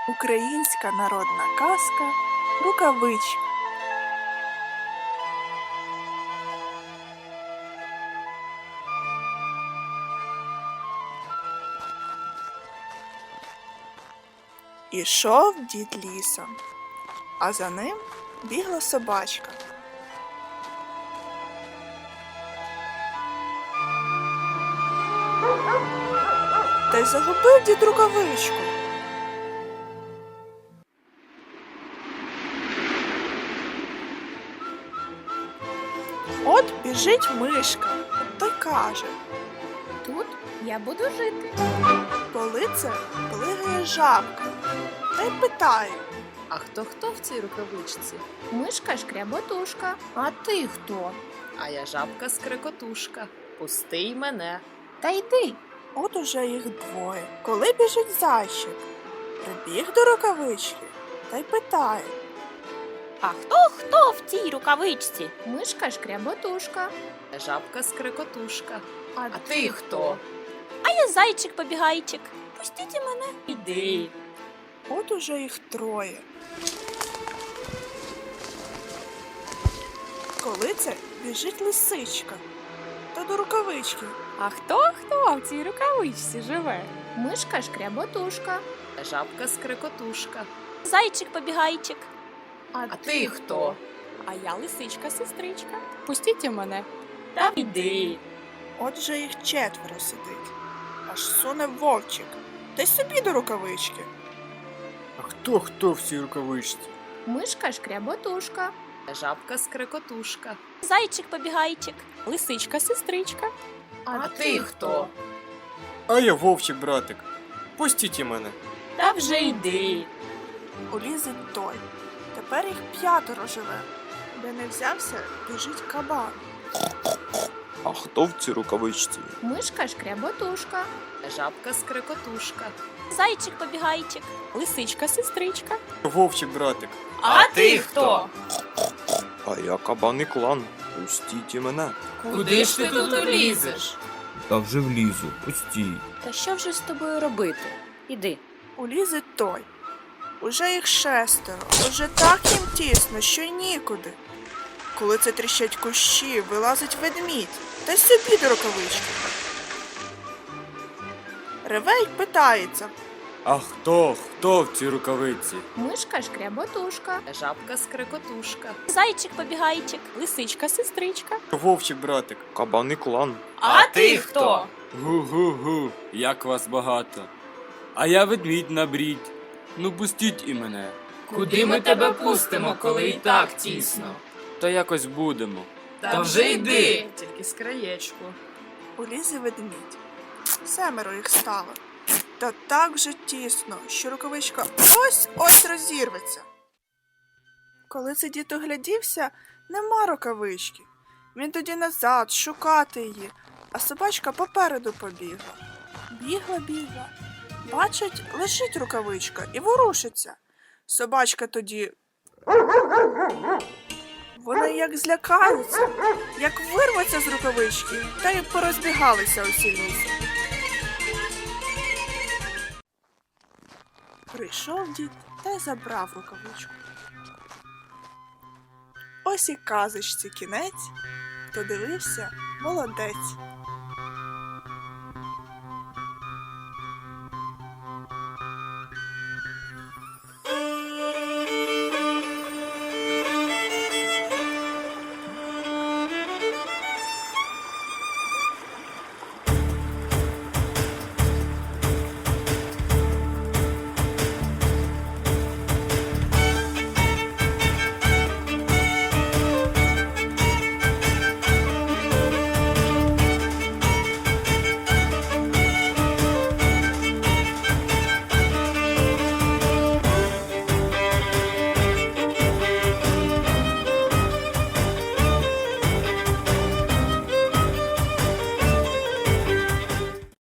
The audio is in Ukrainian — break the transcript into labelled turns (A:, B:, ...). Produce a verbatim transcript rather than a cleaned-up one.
A: Українська народна казка «Рукавичка». Ішов дід лісом, а за ним бігла собачка. Та й загубив дід рукавичку. От біжить мишка, та й каже:
B: Тут я буду жити.
A: коли це плигає жабка, та й питає:
C: А хто хто в цій рукавичці?
B: Мишка шкряботушка. А ти хто?
C: А я жабка скрикотушка. Пусти й мене.
B: Та йди.
A: от уже їх двоє. Коли біжить зайчик, прибіг до рукавички, та й питає:
B: А хто хто в цій рукавичці? Мишка шкряботушка.
C: Я жабка скрикотушка.
B: А,
C: А ти хто?
B: А я зайчик-побігайчик. Пустіть мене.
C: Іди.
A: от уже їх троє. Коли це біжить лисичка, та до рукавички.
B: А хто хто в цій рукавичці живе? Мишка шкряботушка.
C: Я жабка скрикотушка.
B: Зайчик-побігайчик.
C: А ти хто?
B: А я лисичка-сестричка. Пустіть мене.
C: Та йди.
A: От же їх четверо сидить. Аж суне вовчик, та й собі до рукавички.
D: А хто хто в цій рукавичці?
B: Мишка шкряботушка.
C: Я жабка скрикотушка.
B: Зайчик-побігайчик. Лисичка-сестричка.
C: А ти хто?
D: А я вовчик, братик. Пустіть і мене.
C: Та вже йди.
A: Улізить той. Тепер їх п'ятеро живе. Де не взявся, біжить кабан.
E: А хто в цій рукавичці?
B: Мишка шкряботушка.
C: Я жабка скрикотушка.
B: Зайчик-побігайчик. Лисичка-сестричка.
D: Вовчик, братик.
C: А ти хто?
E: А я кабан і клан. Пустіть і мене.
C: Куди ж ти тут лізеш?
F: Та вже влізу, пустій.
C: Та що вже з тобою робити? Іди.
A: Улізить той. Уже їх шестеро. Уже так їм тісно, що й нікуди. Коли це тріщать кущі, вилазить ведмідь, та й собі до рукавички. Реве й питається:
D: А хто хто в цій рукавиці?
B: Мишка шкряботушка.
C: Я жабка скрикотушка.
B: Зайчик-побігайчик. Лисичка-сестричка.
D: Вовчик, братик.
E: Кабан і клан.
C: А ти хто?
G: Гу-гу-гу, як вас багато. А я ведмідь на брідь. Ну пустіть і мене.
C: Куди ми тебе пустимо, коли і так тісно?
G: Та якось будемо.
C: Та вже йди. Тільки з краєчку.
A: улізе ведмідь. Семеро їх стало. Та так вже тісно, що рукавичка ось-ось розірветься. Коли це дід оглядівся, нема рукавички. Він тоді назад шукати її, а собачка попереду побігла. Бігла, бігла. Бачить, лежить рукавичка і ворушиться. Собачка тоді... Вони як злякаються, як вирваться з рукавички, та й порозбігалися усі лісом. Прийшов дід та й забрав рукавичку. Ось і казочці кінець, хто дивився, молодець.